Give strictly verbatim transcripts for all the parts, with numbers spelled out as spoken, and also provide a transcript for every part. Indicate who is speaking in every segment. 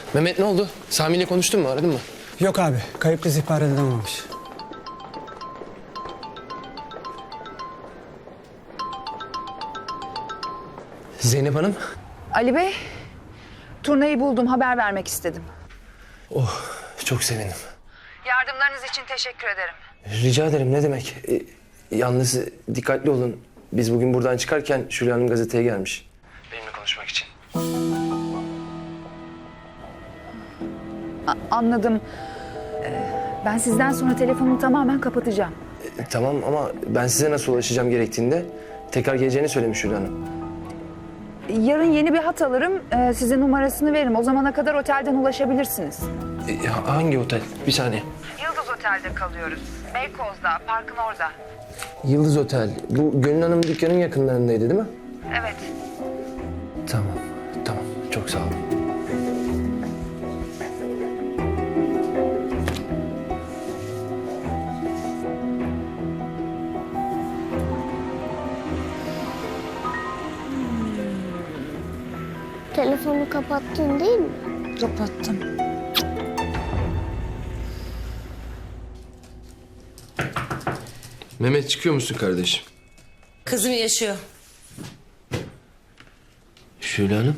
Speaker 1: Mehmet ne oldu? Sami ile konuştun mu? Aradın mı?
Speaker 2: Yok abi. Kayıp kız ihbar edilememiş.
Speaker 1: Zeynep Hanım.
Speaker 3: Ali Bey, turnayı buldum. Haber vermek istedim.
Speaker 1: Oh, çok sevindim.
Speaker 3: Yardımlarınız için teşekkür ederim.
Speaker 1: Rica ederim, ne demek. Ee, yalnız dikkatli olun. Biz bugün buradan çıkarken Şule Hanım gazeteye gelmiş. Benimle konuşmak için.
Speaker 3: A- anladım. Ee, ben sizden sonra telefonumu tamamen kapatacağım.
Speaker 1: Ee, tamam ama ben size nasıl ulaşacağım gerektiğinde tekrar geleceğini söylemiş Şule Hanım.
Speaker 3: Yarın yeni bir hat alırım. Ee, size numarasını veririm. O zamana kadar otelden ulaşabilirsiniz.
Speaker 1: Ee, hangi otel? Bir saniye.
Speaker 3: Yıldız Otel'de kalıyoruz. Beykoz'da, parkın orada.
Speaker 1: Yıldız Otel. Bu Gönül Hanım dükkanın yakınlarındaydı değil mi?
Speaker 3: Evet.
Speaker 1: Tamam, tamam. Çok sağ olun.
Speaker 4: Telefonu kapattın değil mi?
Speaker 3: Kapattım.
Speaker 1: Mehmet, çıkıyor musun kardeşim?
Speaker 5: Kızım yaşıyor.
Speaker 1: Şule Hanım.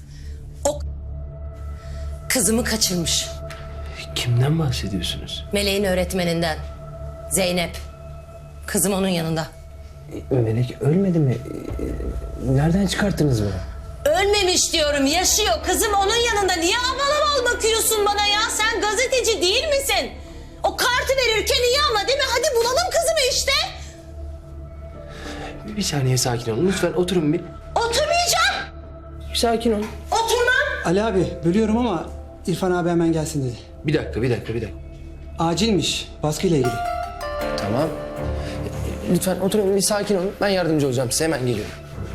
Speaker 5: Kızımı kaçırmış.
Speaker 1: Kimden bahsediyorsunuz?
Speaker 5: Meleğin öğretmeninden. Zeynep. Kızım onun yanında.
Speaker 1: Melek ölmedi mi? Nereden çıkarttınız bunu?
Speaker 5: Ölmemiş diyorum, yaşıyor. Kızım onun yanında. Niye aval aval bakıyorsun bana ya? Sen gazeteci değil misin? O kartı verirken iyi ama değil mi? Hadi bulalım kızımı işte.
Speaker 1: Bir saniye sakin olun. Lütfen oturun bir.
Speaker 5: Oturmayacağım.
Speaker 1: Bir sakin olun.
Speaker 5: Oturmam.
Speaker 2: Ali abi bölüyorum ama İrfan abi hemen gelsin dedi.
Speaker 1: Bir dakika, bir dakika, bir dakika.
Speaker 2: Acilmiş. Baskıyla ilgili.
Speaker 1: Tamam. Lütfen oturun, bir sakin olun. Ben yardımcı olacağım size. Hemen geliyorum.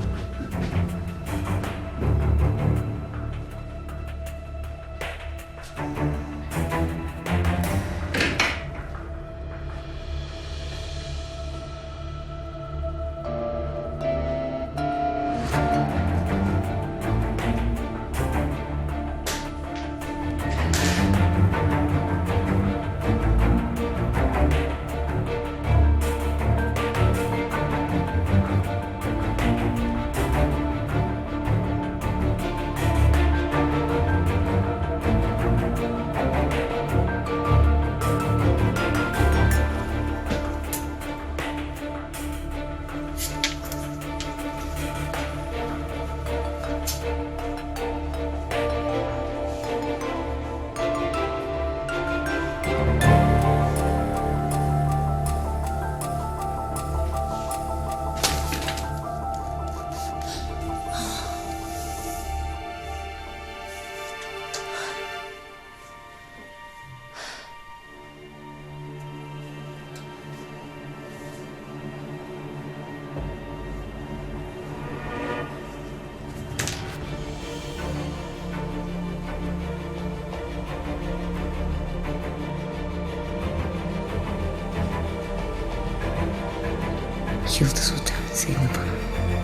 Speaker 3: Yıldız Otel Zeynep Hanım.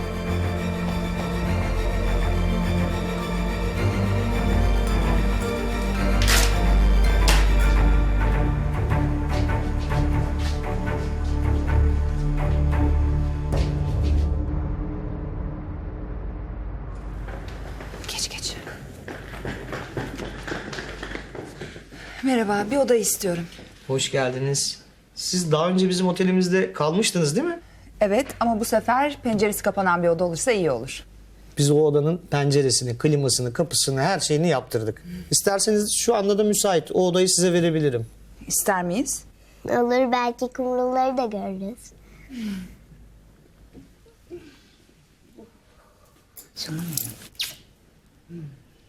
Speaker 3: Geç geç. Merhaba, bir oda istiyorum.
Speaker 6: Hoş geldiniz. Siz daha önce bizim otelimizde kalmıştınız değil mi?
Speaker 3: Evet ama bu sefer penceresi kapanan bir oda olursa iyi olur.
Speaker 6: Biz o odanın penceresini, klimasını, kapısını, her şeyini yaptırdık. İsterseniz şu anda da müsait. O odayı size verebilirim.
Speaker 3: İster miyiz?
Speaker 4: Olur, belki kumruları da görürüz.
Speaker 3: Canım benim.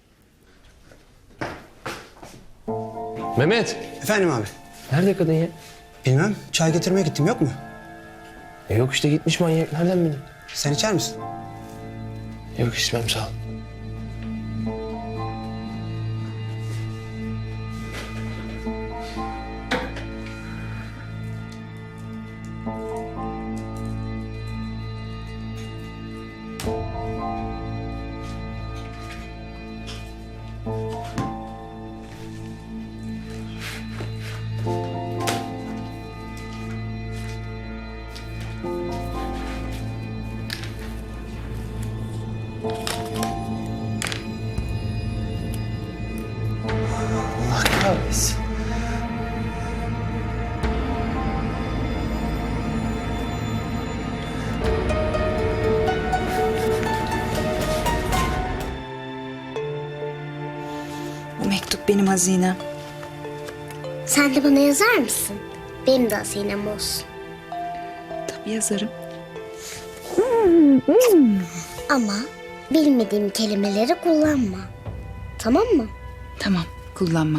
Speaker 1: Mehmet,
Speaker 2: Efendim abi.
Speaker 1: nerede kadın ya?
Speaker 2: Bilmem. Çay getirmeye gittim. Yok mu?
Speaker 1: E yok işte, gitmiş manyak. Nereden bildin?
Speaker 2: Sen içer misin?
Speaker 1: Yok, içmem, sağ ol. olmaz.
Speaker 3: Bu mektup benim hazinem.
Speaker 4: Sen de bana yazar mısın? Benim de hazinem olsun.
Speaker 3: Tabii yazarım.
Speaker 4: Ama bilmediğim kelimeleri kullanma. Tamam mı?
Speaker 3: Tamam, kullanmam.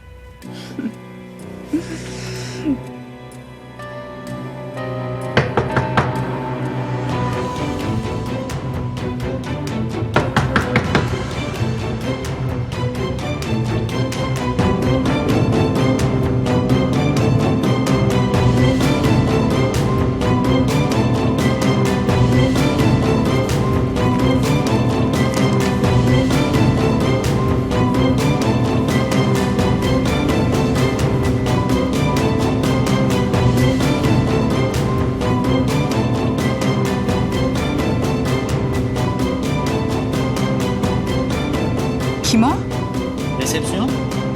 Speaker 3: Kim o?
Speaker 6: Resepsiyon.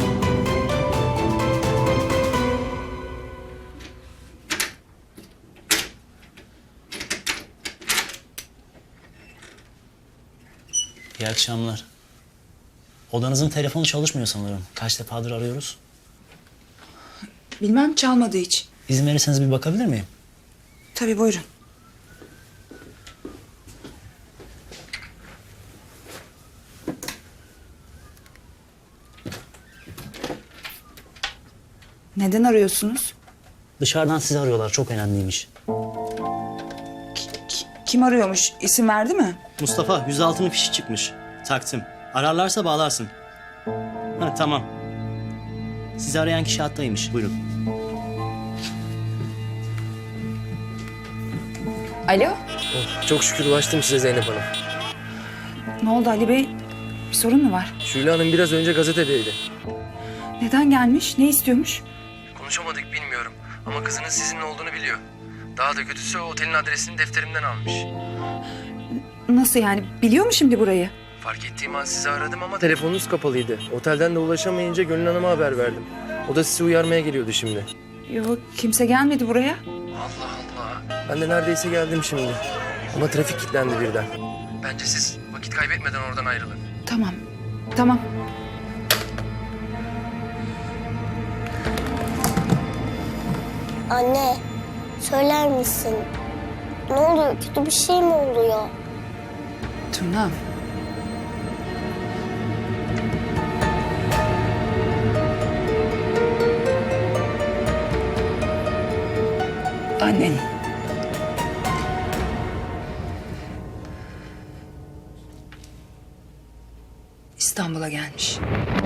Speaker 7: İyi akşamlar. Odanızın telefonu çalışmıyor sanırım. Kaç defadır arıyoruz.
Speaker 3: Bilmem, çalmadı hiç.
Speaker 7: İzin verirseniz bir bakabilir miyim?
Speaker 3: Tabii, buyurun. Neden arıyorsunuz?
Speaker 7: Dışarıdan sizi arıyorlar. Çok önemliymiş.
Speaker 3: Ki- kim arıyormuş? İsim verdi mi?
Speaker 7: Mustafa, yüz altının fişi çıkmış. Taksim. Ararlarsa bağlarsın. Ha, tamam. Sizi arayan kişi hattaymış. Buyurun.
Speaker 3: Alo?
Speaker 1: Oh, çok şükür ulaştım size Zeynep Hanım.
Speaker 3: Ne oldu Ali Bey? Bir sorun mu var?
Speaker 1: Şule Hanım biraz önce gazetedeydi.
Speaker 3: Neden gelmiş? Ne istiyormuş?
Speaker 1: Konuşamadık bilmiyorum ama kızının sizinle olduğunu biliyor. Daha da kötüsü o otelin adresini defterimden almış.
Speaker 3: Nasıl yani? Biliyor mu şimdi burayı?
Speaker 1: Fark ettiğim an sizi aradım ama telefonunuz kapalıydı. Otelden de ulaşamayınca Gönül Hanım'a haber verdim. O da sizi uyarmaya geliyordu şimdi.
Speaker 3: Yok, kimse gelmedi buraya.
Speaker 1: Allah Allah. Ben de neredeyse geldim şimdi. Ama trafik kilitlendi birden. Bence siz vakit kaybetmeden oradan ayrılın.
Speaker 3: Tamam, tamam.
Speaker 4: Anne, söyler misin? Ne oluyor? Kötü bir şey mi oluyor?
Speaker 3: Tuna. Annen. İstanbul'a gelmiş.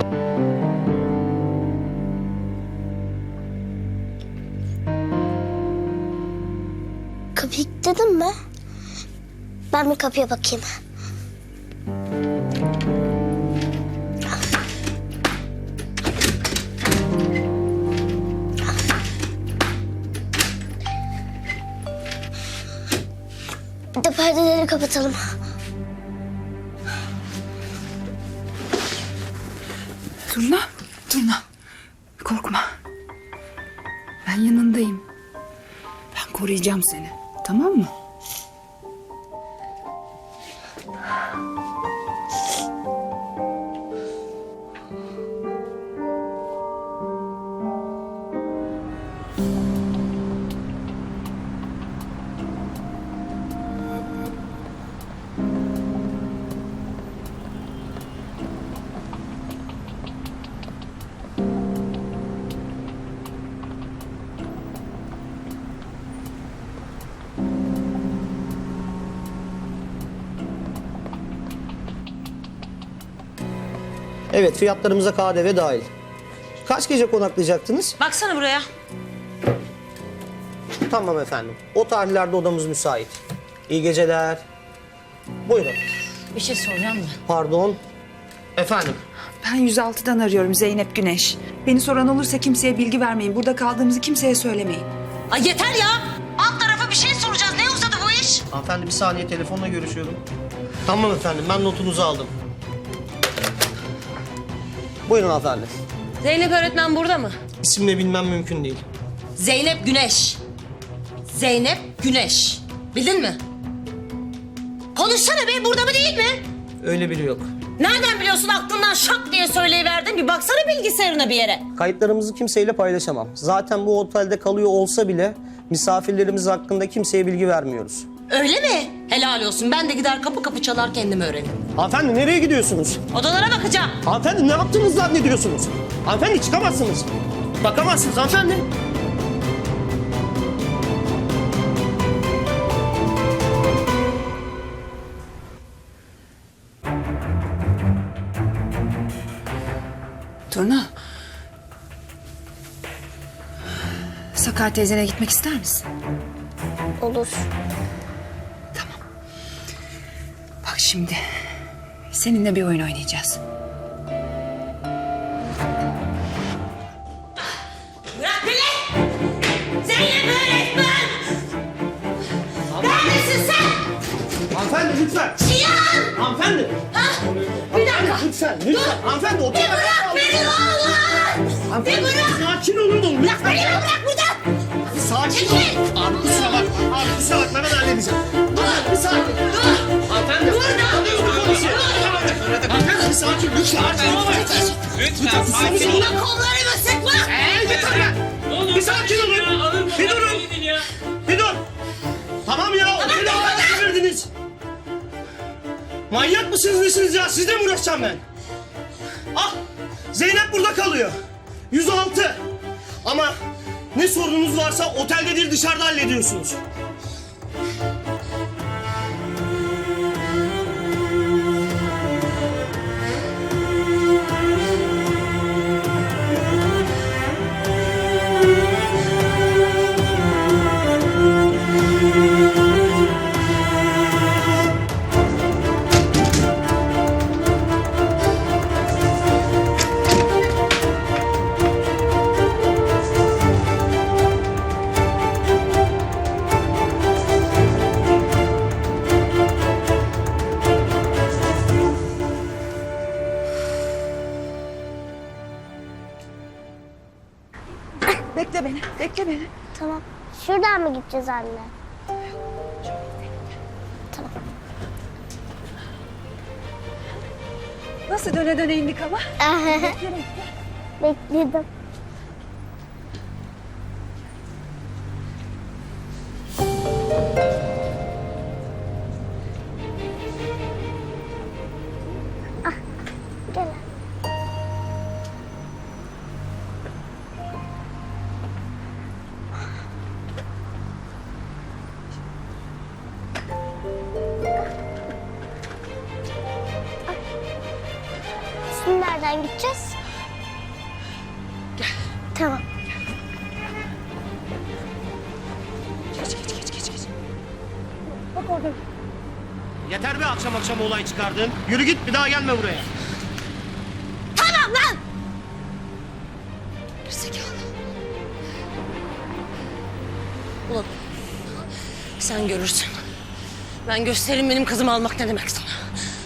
Speaker 4: Kapıyı kilitledin mi? Ben bir kapıya bakayım. Bir de perdeleri kapatalım.
Speaker 3: Turna, Turna. Korkma. Ben yanındayım. Ben koruyacağım seni. Tamam mı?
Speaker 6: Evet, fiyatlarımıza K D V dahil. Kaç gece konaklayacaktınız?
Speaker 5: Baksana buraya.
Speaker 6: Tamam efendim. O tarihlerde odamız müsait. İyi geceler. Buyurun.
Speaker 5: Bir şey soracağım mı?
Speaker 6: Pardon. Efendim.
Speaker 3: Ben yüz altıdan arıyorum, Zeynep Güneş. Beni soran olursa kimseye bilgi vermeyin. Burada kaldığımızı kimseye söylemeyin.
Speaker 5: Ay yeter ya. Alt tarafa bir şey soracağız. Ne uzadı bu iş?
Speaker 6: Hanımefendi bir saniye, telefonla görüşüyorum. Tamam efendim, ben notunuzu aldım. Buyurun hanımefendi.
Speaker 5: Zeynep öğretmen burada mı?
Speaker 6: İsimle bilmem mümkün değil.
Speaker 5: Zeynep Güneş. Zeynep Güneş. Bildin mi? Konuşsana be, burada mı değil mi?
Speaker 6: Öyle biri yok.
Speaker 5: Nereden biliyorsun, aklından şak diye söyleyiverdin? Bir baksana bilgisayarına bir yere.
Speaker 6: Kayıtlarımızı kimseyle paylaşamam. Zaten bu otelde kalıyor olsa bile misafirlerimiz hakkında kimseye bilgi vermiyoruz.
Speaker 5: Öyle mi? Helal olsun. Ben de gider kapı kapı çalar kendim öğrenirim.
Speaker 6: Hanımefendi nereye gidiyorsunuz?
Speaker 5: Odalara bakacağım.
Speaker 6: Hanımefendi ne yaptığınızı zannediyorsunuz? Hanımefendi çıkamazsınız. Bakamazsınız hanımefendi.
Speaker 3: Turna. Sakar teyzene gitmek ister misin?
Speaker 4: Olur.
Speaker 3: Bak şimdi. Seninle bir oyun oynayacağız.
Speaker 5: Bırak beni! Zeynep öğretmen! Neredesin sen?
Speaker 6: Hanımefendi lütfen.
Speaker 5: Cihan!
Speaker 6: Hanımefendi.
Speaker 5: Ha? Bir dakika.
Speaker 6: Lütfen, lütfen. Hanımefendi otur.
Speaker 5: Bir bırak beni ne olur! Bir bırak!
Speaker 6: Sakin olun oğlum
Speaker 5: Bırak
Speaker 6: lütfen.
Speaker 5: beni, bırak buradan!
Speaker 6: Sakin ol.
Speaker 5: Çekil!
Speaker 6: Abi kusura bakma. Abi kusura bakma ben halledeceğim. Dur. Bir sakin.
Speaker 5: Dur!
Speaker 6: Hanımefendi.
Speaker 5: Burada!
Speaker 6: Hanımefendi bir sakin. Lütfen.
Speaker 8: Lütfen sakin olun.
Speaker 5: Bak kollarımı sıkma!
Speaker 6: Yeter ya. Bir sakin olun. Bir durun. Bir dur. Tamam ya. Oteli havaya çevirdiniz. Manyak mısınız nesiniz ya? Sizle mi uğraşacağım ben? Ah. Zeynep burada kalıyor. yüz altı. Ama ne sorununuz varsa otelde değil dışarıda hallediyorsunuz.
Speaker 3: Bekle beni, bekle beni.
Speaker 4: Tamam. Şuradan mı gideceğiz anne?
Speaker 3: Nasıl döne döne indik ama?
Speaker 4: Bekledim. Ah, gel. Şimdi nereden gideceğiz? Gel. Tamam.
Speaker 3: Geç, geç, geç, geç, geç. Bak orada.
Speaker 6: Yeter be akşam akşam olay çıkardın. Yürü git bir daha gelme buraya.
Speaker 5: Tamam lan!
Speaker 3: Zekalı.
Speaker 5: Ulan sen görürsün. Ben gösteririm benim kızımı almak ne demek sana.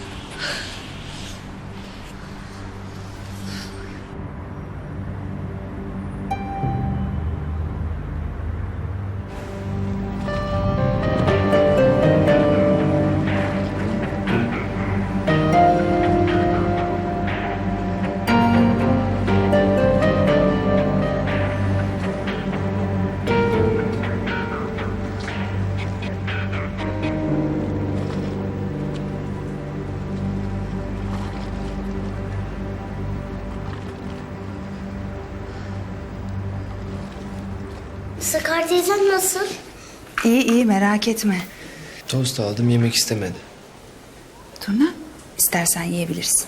Speaker 4: Sakar teyzem nasıl?
Speaker 3: İyi iyi merak etme.
Speaker 1: Tost aldım, yemek istemedi.
Speaker 3: Turna, istersen yiyebilirsin.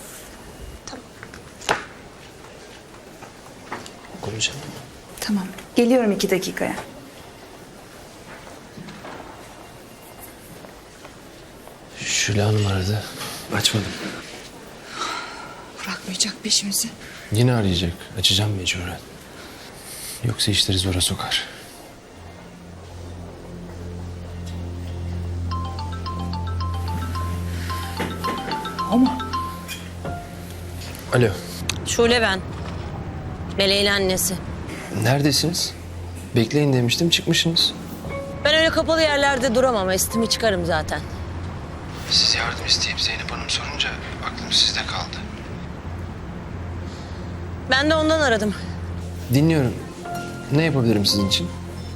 Speaker 1: Konuşalım.
Speaker 3: Tamam, geliyorum iki dakikaya.
Speaker 1: Şule Hanım aradı. Açmadım.
Speaker 3: Bırakmayacak peşimizi.
Speaker 1: Yine arayacak. Açacağım mecburen. Yoksa işleri zora sokar.
Speaker 3: O mu?
Speaker 1: Alo.
Speaker 5: Şule ben. Meleğin annesi.
Speaker 1: Neredesiniz? Bekleyin demiştim, çıkmışsınız.
Speaker 5: Ben öyle kapalı yerlerde duramam. Estimi çıkarım zaten.
Speaker 1: Siz yardım isteyip Zeynep Hanım sorunca aklım sizde kaldı.
Speaker 5: Ben de ondan aradım.
Speaker 1: Dinliyorum. Ne yapabilirim sizin için?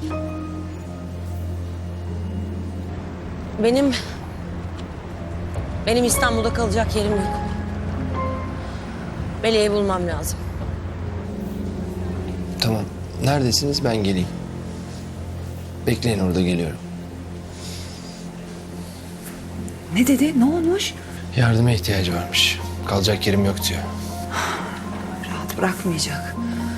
Speaker 5: Benim... Benim İstanbul'da kalacak yerim yok. Meleği bulmam lazım.
Speaker 1: Tamam. Neredesiniz? Ben geleyim. Bekleyin, orada geliyorum.
Speaker 3: Ne dedi? Ne olmuş?
Speaker 1: Yardıma ihtiyacı varmış. Kalacak yerim yok diyor.
Speaker 3: Rahat bırakmayacak.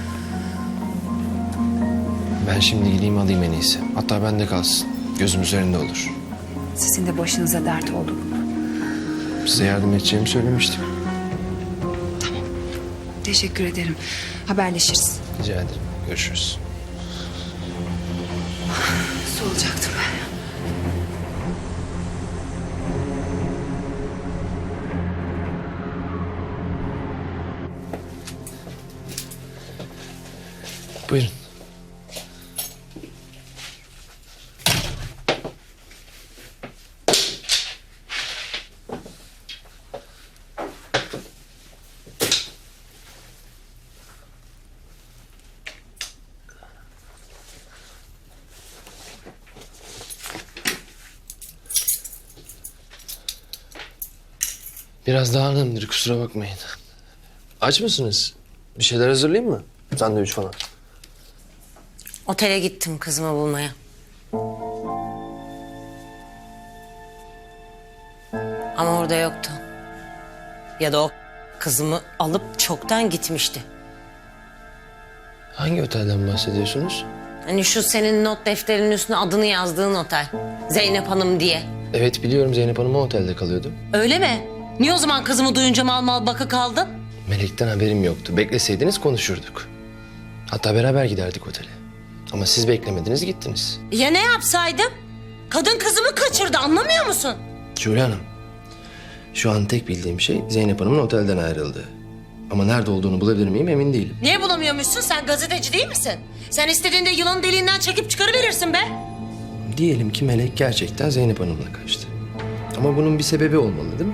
Speaker 1: Ben şimdi gideyim alayım en iyisi. Hatta bende kalsın. Gözüm üzerinde olur.
Speaker 3: Sizin de başınıza dert oldu bu.
Speaker 1: Size yardım edeceğimi söylemiştim.
Speaker 3: Teşekkür ederim. Haberleşiriz.
Speaker 1: Rica ederim. Görüşürüz.
Speaker 3: Nasıl olacaktım ben?
Speaker 1: Buyurun. Biraz dağınımdır, kusura bakmayın. Aç mısınız? Bir şeyler hazırlayayım mı? Sandviç falan.
Speaker 5: Otele gittim kızımı bulmaya. Ama orada yoktu. Ya da o kızımı alıp çoktan gitmişti.
Speaker 1: Hangi otelden bahsediyorsunuz?
Speaker 5: Hani şu senin not defterinin üstüne adını yazdığın otel. Zeynep Hanım diye.
Speaker 1: Evet, biliyorum, Zeynep Hanım o otelde kalıyordu.
Speaker 5: Öyle mi? Niye o zaman kızımı duyunca mal mal baka kaldın?
Speaker 1: Melek'ten haberim yoktu. Bekleseydiniz konuşurduk. Hatta beraber giderdik otele. Ama siz beklemediniz, gittiniz.
Speaker 5: Ya ne yapsaydım? Kadın kızımı kaçırdı, anlamıyor musun?
Speaker 1: Şule Hanım, şu an tek bildiğim şey Zeynep Hanım'ın otelden ayrıldığı. Ama nerede olduğunu bulabilir miyim emin değilim.
Speaker 5: Niye bulamıyormuşsun? Sen gazeteci değil misin? Sen istediğinde yılanın deliğinden çekip çıkarıverirsin be.
Speaker 1: Diyelim ki Melek gerçekten Zeynep Hanım'la kaçtı. Ama bunun bir sebebi olmalı değil mi?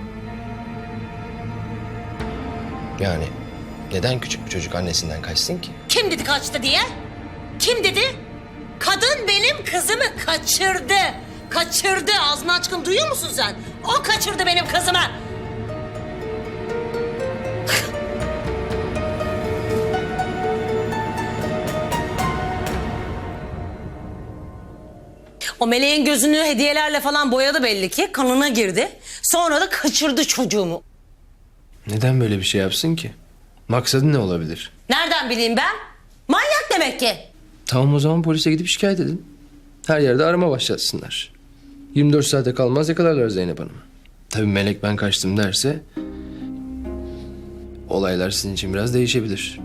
Speaker 1: Yani neden küçük bir çocuk annesinden kaçsın ki?
Speaker 5: Kim dedi kaçtı diye? Kim dedi? Kadın benim kızımı kaçırdı. Kaçırdı. Ağzını açkın duyuyor musun sen? O kaçırdı benim kızımı. O meleğin gözünü hediyelerle falan boyadı belli ki. Kanına girdi. Sonra da kaçırdı çocuğumu.
Speaker 1: Neden böyle bir şey yapsın ki? Maksadı ne olabilir?
Speaker 5: Nereden bileyim ben? Manyak demek ki.
Speaker 1: Tamam, o zaman polise gidip şikayet edin. Her yerde arama başlatsınlar. yirmi dört saate kalmaz yakalarlar Zeynep Hanım'ı. Tabii Melek ben kaçtım derse... olaylar sizin için biraz değişebilir.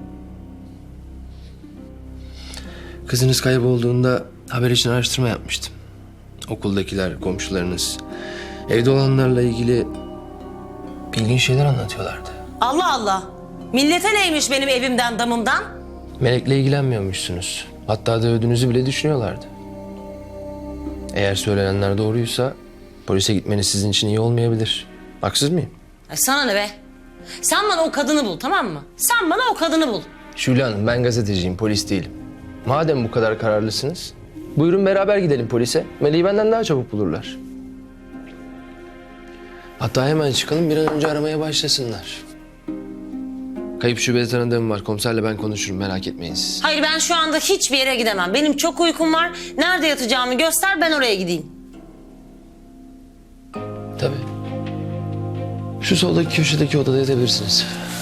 Speaker 1: Kızınız kaybolduğunda haber için araştırma yapmıştım. Okuldakiler, komşularınız, evde olanlarla ilgili ilginç şeyler anlatıyorlardı.
Speaker 5: Allah Allah. Millete neymiş benim evimden damımdan?
Speaker 1: Melek'le ilgilenmiyormuşsunuz. Hatta dövdüğünüzü bile düşünüyorlardı. Eğer söylenenler doğruysa polise gitmeniz sizin için iyi olmayabilir. Haksız mıyım?
Speaker 5: Ay sana ne be? Sen bana o kadını bul, tamam mı? Sen bana o kadını bul.
Speaker 1: Şule Hanım, ben gazeteciyim, polis değilim. Madem bu kadar kararlısınız, buyurun beraber gidelim polise. Melek'i benden daha çabuk bulurlar. Hatta hemen çıkalım, bir an önce aramaya başlasınlar. Kayıp şubede tanıdığım var. Komiserle ben konuşurum, merak etmeyin siz.
Speaker 5: Hayır, ben şu anda hiçbir yere gidemem. Benim çok uykum var. Nerede yatacağımı göster, ben oraya gideyim.
Speaker 1: Tabii. Şu soldaki köşedeki odada yatabilirsiniz.